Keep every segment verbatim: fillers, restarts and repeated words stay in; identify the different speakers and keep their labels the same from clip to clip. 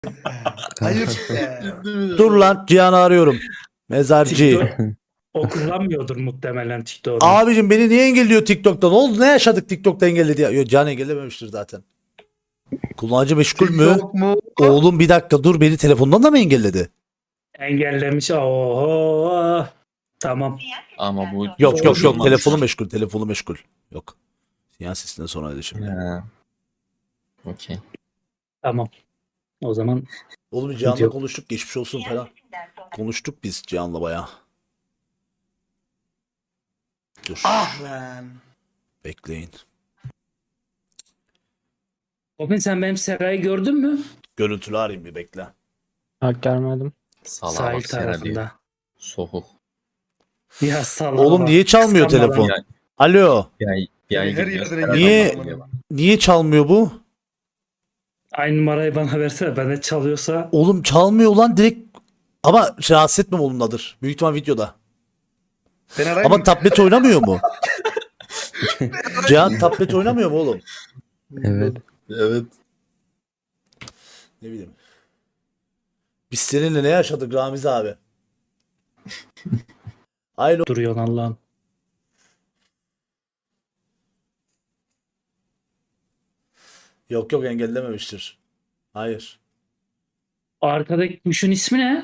Speaker 1: Ayıp be.
Speaker 2: Dur lan Cihan'ı arıyorum. Mezarcı.
Speaker 3: TikTok o kullanmıyordur muhtemelen TikTok'u.
Speaker 2: Abicim beni niye engelliyor TikTok'ta? Ne oldu? Ne yaşadık TikTok'ta engelledi ya? Yok Cihan engellememiştir zaten. Kullanıcı meşgul mü?
Speaker 1: TikTok mu?
Speaker 2: Oğlum bir dakika dur, beni telefondan da mı engelledi?
Speaker 3: Engellemiş. Oho. Tamam.
Speaker 4: Ama bu
Speaker 2: Yok yok yok,
Speaker 4: olmamış.
Speaker 2: telefonu meşgul, telefonu meşgul. Yok. Sinyal sesinden sonraydı şimdi.
Speaker 4: Ha. Okey.
Speaker 3: Tamam. O zaman
Speaker 2: Oğlum Cihan'la
Speaker 3: Yok.
Speaker 2: konuştuk, geçmiş olsun falan. Konuştuk biz Cihan'la bayağı. Dur
Speaker 1: Ah lan.
Speaker 2: bekleyin.
Speaker 3: Open sen benim Seray'ı gördün mü?
Speaker 2: Görüntülü arayayım bir, bekle.
Speaker 5: Hak görmedim.
Speaker 4: Salaha
Speaker 3: Sahil
Speaker 4: bak Sera diyor.
Speaker 3: tarafında.
Speaker 4: Soğuk.
Speaker 3: Ya salla.
Speaker 2: Oğlum
Speaker 3: bak.
Speaker 2: niye çalmıyor
Speaker 3: Kıskanmadan.
Speaker 2: telefon?
Speaker 4: Yani
Speaker 2: Alo.
Speaker 4: bir ay, bir ay
Speaker 1: Her
Speaker 4: gidiyor.
Speaker 1: yerden
Speaker 2: Niye-
Speaker 4: Geliyor.
Speaker 2: Niye çalmıyor bu?
Speaker 3: Aynı numarayı bana versene. Bende çalıyorsa
Speaker 2: Oğlum çalmıyor lan direkt. Ama rahatsız etmem onunladır. Büyük ihtimal videoda.
Speaker 1: Ben arayayım
Speaker 2: Ama
Speaker 1: mı?
Speaker 2: tablet oynamıyor mu? Cihan tablet oynamıyor mu oğlum?
Speaker 5: Evet.
Speaker 4: Evet.
Speaker 2: Ne bileyim. Biz seninle ne yaşadık Ramiz abi? Aylo.
Speaker 3: duruyor Allah'ım.
Speaker 2: Yok yok, engellememiştir. Hayır.
Speaker 3: Arkadaki kuşun ismi ne?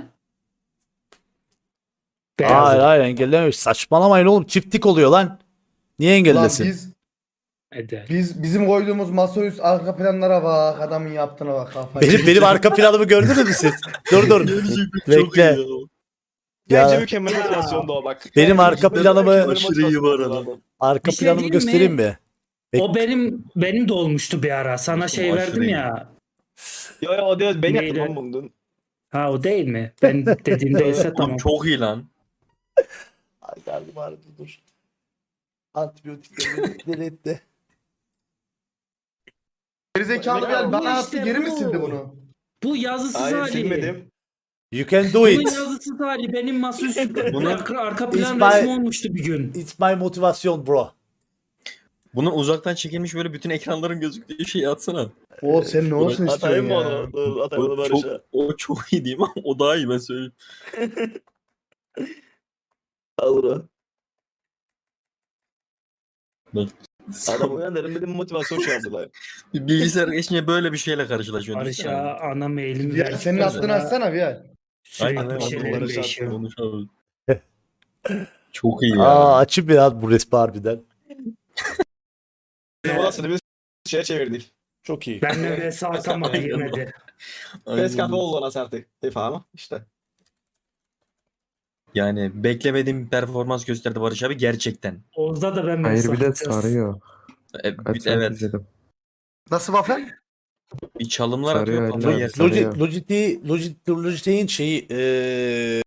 Speaker 3: Beyazı.
Speaker 2: Hayır hayır, engellememiş. Saçmalamayın oğlum, çiftlik oluyor lan. Niye
Speaker 1: Lan
Speaker 2: engellesin?
Speaker 1: biz,
Speaker 3: Eder.
Speaker 1: biz bizim koyduğumuz masaüstü arka planlara bak. Adamın yaptığına bak. Kafayı.
Speaker 2: Benim benim arka planımı gördünüz mü siz? Dur dur. Bekle.
Speaker 6: Bence
Speaker 2: Ya
Speaker 6: mükemmel motivasyonda o bak.
Speaker 2: benim arka planımı
Speaker 4: Aşırı iyi bu arada.
Speaker 2: arka
Speaker 3: Bir şey
Speaker 2: planımı
Speaker 3: diyeyim
Speaker 2: göstereyim
Speaker 3: mi?
Speaker 2: mi? Bek-
Speaker 3: O benim benim de olmuştu bir ara. Sana
Speaker 4: Nasıl
Speaker 3: şey
Speaker 4: aşırı
Speaker 3: verdim
Speaker 4: iyi?
Speaker 3: ya.
Speaker 6: Yo yo o değil ben
Speaker 3: Neyle?
Speaker 6: yaptım lan bunu.
Speaker 3: Ha o değil mi? Ben dediğimdeyse
Speaker 4: Oğlum
Speaker 3: tamam.
Speaker 4: çok iyi lan.
Speaker 2: Ay karnım ağrıdı, dur. Antibiyotikleri etti.
Speaker 1: Gerizekalı
Speaker 3: Ya
Speaker 1: gel
Speaker 3: bu
Speaker 1: bana
Speaker 3: işte
Speaker 1: attı, geri mi
Speaker 3: bu.
Speaker 1: sildi bunu?
Speaker 3: Bu yazısız
Speaker 6: Hayır
Speaker 3: hali.
Speaker 6: silmedim.
Speaker 2: You can do
Speaker 3: Bunun
Speaker 2: it.
Speaker 3: yazısız hali benim masaüstü
Speaker 4: Bunu-
Speaker 3: arka, arka plan
Speaker 2: İsmail-
Speaker 3: resmi olmuştu bir gün.
Speaker 2: It's my motivasyon bro.
Speaker 4: Bunun uzaktan çekilmiş böyle bütün ekranların gözüktüğü şeyi atsana.
Speaker 1: O sen ne olsun
Speaker 6: Atayım
Speaker 1: istiyorsun
Speaker 6: mı
Speaker 1: ya?
Speaker 6: onu? Dur, Atayım onu
Speaker 4: O çok,
Speaker 6: Barış'a.
Speaker 4: o çok iyi değil mi? O daha iyi, ben söyleyeyim.
Speaker 6: Alır o.
Speaker 4: Bak.
Speaker 6: Adam uyanırım dedim motivasyon şey yaptılar.
Speaker 4: Bir bilgisayar geçince böyle bir şeyle karşılaşıyorsun.
Speaker 3: Barış'a ana mailimi
Speaker 1: Ya
Speaker 3: ver.
Speaker 1: senin attığını açsana bir ya.
Speaker 3: Sürekli
Speaker 4: Aynen,
Speaker 3: bir şeyler
Speaker 6: Barış'a
Speaker 3: değişiyor.
Speaker 4: Konuş abi. Çok iyi ya.
Speaker 2: Aa açayım biraz bu resmi harbiden.
Speaker 6: Odasını biz şeye çevirdik.
Speaker 2: Çok iyi.
Speaker 3: Ben neredeyse atamadı girmedi.
Speaker 4: Aynen.
Speaker 6: Pes kafe oldu ona artık. Defa ama işte.
Speaker 4: Yani beklemediğim bir performans gösterdi Barış abi gerçekten.
Speaker 3: Oğuz'da da ben
Speaker 5: Hayır bir de
Speaker 3: mesaj atacağız.
Speaker 5: sarıyor.
Speaker 4: E,
Speaker 5: Kaç
Speaker 4: bir-
Speaker 5: saat
Speaker 4: evet.
Speaker 5: izledim.
Speaker 1: Nasıl waffle?
Speaker 4: Bir çalımlar
Speaker 5: Sarıyor
Speaker 4: atıyor kafayı
Speaker 5: eller.
Speaker 4: yer.
Speaker 5: Sarıyor.
Speaker 2: Logi- Logitech, Logitech, Logitech'in şeyi eee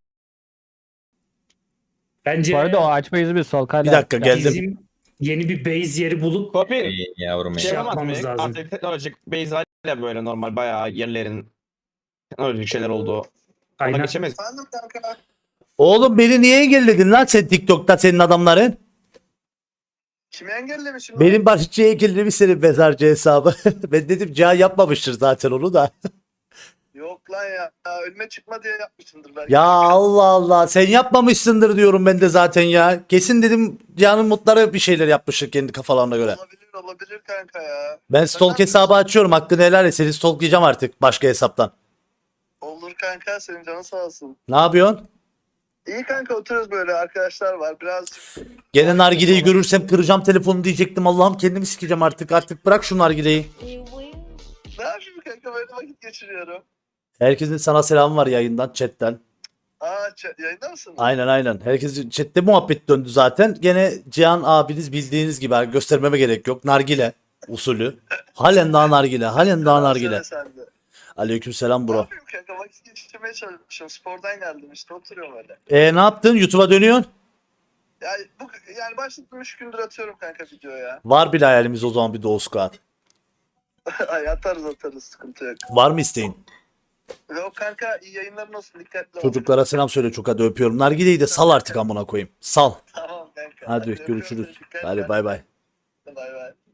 Speaker 3: Bence
Speaker 5: Bu arada o açma izi bir sol kayda.
Speaker 2: bir dakika geldim.
Speaker 3: bizim yeni bir base yeri bulup
Speaker 6: Kopil.
Speaker 4: Ey yavrum
Speaker 6: Şey
Speaker 4: ya.
Speaker 3: Yap-
Speaker 6: yapamaz
Speaker 3: yapmamız
Speaker 6: mı?
Speaker 3: lazım.
Speaker 6: Artık teknolojik base haliyle böyle normal bayağı yerlerin teknolojik şeyler oldu. Ona
Speaker 3: kaynak.
Speaker 6: geçemez.
Speaker 2: Oğlum beni niye engelledin lan sen TikTok'ta, senin adamların?
Speaker 7: Kimi engellemişim?
Speaker 2: Benim Barışçı'ya engellemiş senin mezarcı hesabı. Ben dedim Cihan yapmamıştır zaten onu da.
Speaker 7: Yok lan ya. ya. Önüme çıkma diye yapmışımdır belki.
Speaker 2: Ya Allah Allah, sen yapmamışsındır diyorum ben de zaten ya. Kesin dedim Cihan'ın mutları bir şeyler yapmıştır kendi kafalarına göre.
Speaker 7: Olabilir olabilir kanka ya.
Speaker 2: Ben stalk hesabı açıyorum, hakkını helal et, seni stalklayacağım artık başka hesaptan.
Speaker 7: Olur kanka, senin canın sağ olsun.
Speaker 2: Ne yapıyorsun?
Speaker 7: İyi kanka, oturuyoruz böyle, arkadaşlar var birazcık.
Speaker 2: Gene nargileyi görürsem kıracağım telefonu diyecektim. Allah'ım kendimi sikeceğim artık. Artık bırak şu nargileyi.
Speaker 7: Ne yapayım kanka, böyle vakit geçiriyorum.
Speaker 2: Herkesin sana selamı var yayından, chatten.
Speaker 7: Aa ç- yayında mısın?
Speaker 2: Aynen aynen. Herkesin chatte muhabbet döndü zaten. Gene Cihan abiniz bildiğiniz gibi abi, göstermeme gerek yok. Nargile usulü. Halen daha nargile. Halen daha nargile.
Speaker 7: Söyle sen de.
Speaker 2: Aleykümselam
Speaker 7: Ne
Speaker 2: bro.
Speaker 7: yapayım kanka, vakit geçirmeye çalışıyorum. Spordan geldim işte, oturuyorum öyle.
Speaker 2: E ne yaptın? YouTube'a dönüyorsun.
Speaker 7: Yani, bu, yani başladım, üç gündür atıyorum kanka video ya.
Speaker 2: Var bir hayalimiz o zaman, bir Doğu Squad.
Speaker 7: Ay atarız atarız, sıkıntı yok.
Speaker 2: Var mı isteğin?
Speaker 7: Yok kanka, iyi yayınların olsun, dikkatli ol.
Speaker 2: Çocuklara selam söyle, çok hadi öpüyorum. Nargileyi de sal artık amına koyayım. Sal.
Speaker 7: Tamam kanka.
Speaker 2: Hadi
Speaker 7: öpüyorum
Speaker 2: görüşürüz.
Speaker 7: seni, dikkat et.
Speaker 2: Hadi bay bay.
Speaker 7: Bay bay.